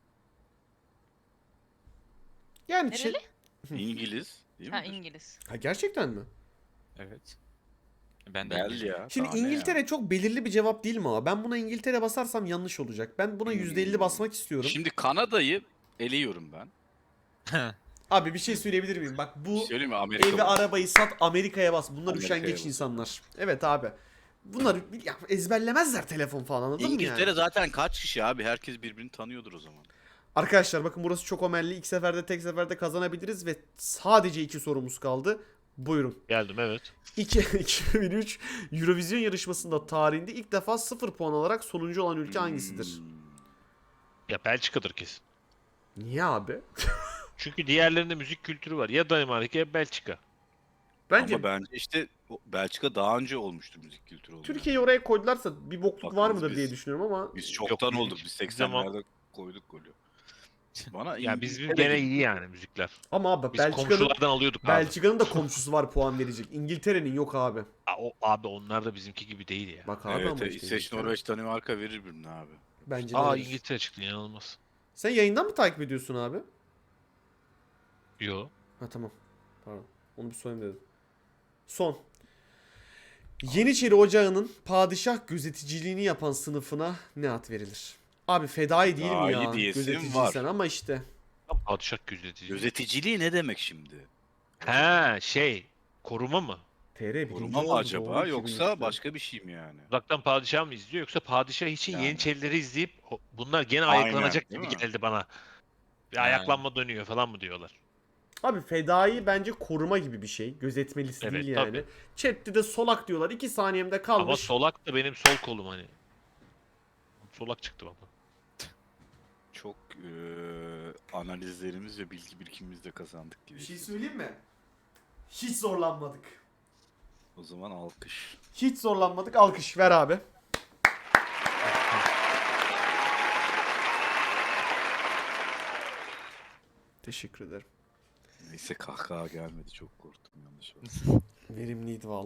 [SPEAKER 1] Yani şey...
[SPEAKER 4] Nereli?
[SPEAKER 3] İngiliz değil mi?
[SPEAKER 4] Ha İngiliz.
[SPEAKER 1] Ha gerçekten mi?
[SPEAKER 6] Evet. Ben de
[SPEAKER 3] Bel
[SPEAKER 6] İngilizce.
[SPEAKER 3] ya.
[SPEAKER 1] Şimdi
[SPEAKER 3] daha ne
[SPEAKER 1] İngiltere
[SPEAKER 3] ya?
[SPEAKER 1] çok belirli bir cevap değil mi ama? Ben buna İngiltere basarsam yanlış olacak. Ben buna yüzde elli
[SPEAKER 3] Hmm.
[SPEAKER 1] basmak istiyorum.
[SPEAKER 3] Şimdi Kanada'yı eliyorum ben.
[SPEAKER 1] Abi bir şey söyleyebilir miyim? Bak bu
[SPEAKER 3] Söyleyeyim mi? Amerika
[SPEAKER 1] evi
[SPEAKER 3] bu.
[SPEAKER 1] arabayı sat Amerika'ya bas. Bunlar
[SPEAKER 3] Amerika'ya
[SPEAKER 1] üşengeç
[SPEAKER 3] bas.
[SPEAKER 1] insanlar. Evet abi. Bunlar ya, ezberlemezler telefon falan anladın mı
[SPEAKER 3] İngiltere
[SPEAKER 1] yani?
[SPEAKER 3] zaten kaç kişi abi? Herkes birbirini tanıyordur o zaman.
[SPEAKER 1] Arkadaşlar bakın burası çok omelli. İlk seferde tek seferde kazanabiliriz ve sadece iki sorumuz kaldı. Buyurun.
[SPEAKER 5] Geldim evet.
[SPEAKER 1] İki- iki bin üç Eurovision yarışmasında tarihinde ilk defa sıfır puan alarak sonuncu olan ülke hangisidir?
[SPEAKER 3] Hmm.
[SPEAKER 5] Ya Belçika'dır kesin.
[SPEAKER 1] Niye abi?
[SPEAKER 5] Çünkü diğerlerinde müzik kültürü var. Ya Danimarka ya Belçika.
[SPEAKER 1] Bence
[SPEAKER 3] Ama bence işte o- Belçika daha önce olmuştur müzik kültürü olarak.
[SPEAKER 1] Türkiye'yi oraya koydularsa bir bokluk var
[SPEAKER 3] Bakınız
[SPEAKER 1] mıdır
[SPEAKER 3] biz-
[SPEAKER 1] diye düşünüyorum ama
[SPEAKER 3] Biz çoktan
[SPEAKER 5] Yok,
[SPEAKER 3] olduk.
[SPEAKER 5] biz-
[SPEAKER 3] Biz
[SPEAKER 5] biz zaman-
[SPEAKER 3] seksenlerde koyduk golü. Bana
[SPEAKER 5] Ya biz
[SPEAKER 3] İngiltere
[SPEAKER 5] gene
[SPEAKER 3] gibi.
[SPEAKER 5] iyi yani müzikler.
[SPEAKER 1] Ama abi
[SPEAKER 5] Biz
[SPEAKER 1] Belçika'nın
[SPEAKER 5] komşulardan alıyorduk abi.
[SPEAKER 1] Belçika'nın da komşusu var puan verecek. İngiltere'nin yok abi.
[SPEAKER 5] Aa, o, abi onlar da bizimki gibi değil ya.
[SPEAKER 1] Bak abi
[SPEAKER 3] Evet,
[SPEAKER 1] ama
[SPEAKER 3] evet,
[SPEAKER 1] işte
[SPEAKER 3] İsveç,
[SPEAKER 1] İngiltere.
[SPEAKER 3] Norveç, Danimarka verir birine abi.
[SPEAKER 1] Bence de
[SPEAKER 5] Aa
[SPEAKER 1] verir.
[SPEAKER 5] İngiltere çıktı inanılmaz.
[SPEAKER 1] Sen yayından mı takip ediyorsun abi?
[SPEAKER 5] Yo.
[SPEAKER 1] Ha tamam. Pardon. Onu bir sorayım dedim. Son. Yeniçeri Ocağı'nın padişah gözeticiliğini yapan sınıfına ne ad verilir? Abi fedai değil mi
[SPEAKER 3] Fedai
[SPEAKER 1] ya?
[SPEAKER 3] diyesim
[SPEAKER 1] Gözeticiysen
[SPEAKER 3] var.
[SPEAKER 1] ama işte.
[SPEAKER 5] Padişah gözetici.
[SPEAKER 3] Gözeticiliği ne demek şimdi?
[SPEAKER 5] He şey koruma mı?
[SPEAKER 1] T R birinci
[SPEAKER 3] Koruma mı
[SPEAKER 1] oldu,
[SPEAKER 3] acaba
[SPEAKER 1] doğru,
[SPEAKER 3] yoksa
[SPEAKER 1] iki bin üçte.
[SPEAKER 3] başka bir şey mi yani?
[SPEAKER 5] Uzaktan padişah mı izliyor yoksa padişah için
[SPEAKER 3] Yani.
[SPEAKER 5] Yeniçerileri izleyip o- bunlar gene
[SPEAKER 3] Aynen,
[SPEAKER 5] ayaklanacak
[SPEAKER 3] değil
[SPEAKER 5] gibi
[SPEAKER 3] mi?
[SPEAKER 5] geldi bana. Bir
[SPEAKER 6] Ha.
[SPEAKER 5] ayaklanma dönüyor falan mı diyorlar.
[SPEAKER 1] Abi fedai bence koruma gibi bir şey. Gözetmelisi
[SPEAKER 5] Evet,
[SPEAKER 1] değil yani.
[SPEAKER 5] tabii.
[SPEAKER 1] Chat'te de solak diyorlar. iki saniyemde kalmış.
[SPEAKER 5] Ama solak da benim sol kolum hani. Solak çıktı baba.
[SPEAKER 3] Çok eee, analizlerimiz ve bilgi birikimimiz de kazandık gibi.
[SPEAKER 1] Bir şey söyleyeyim mi? Hiç zorlanmadık.
[SPEAKER 3] O zaman alkış.
[SPEAKER 1] Hiç zorlanmadık. Alkış ver abi. Teşekkür ederim.
[SPEAKER 3] Neyse kahkaha gelmedi, çok korktum yanlış oldu.
[SPEAKER 1] Verimliydi vallahi.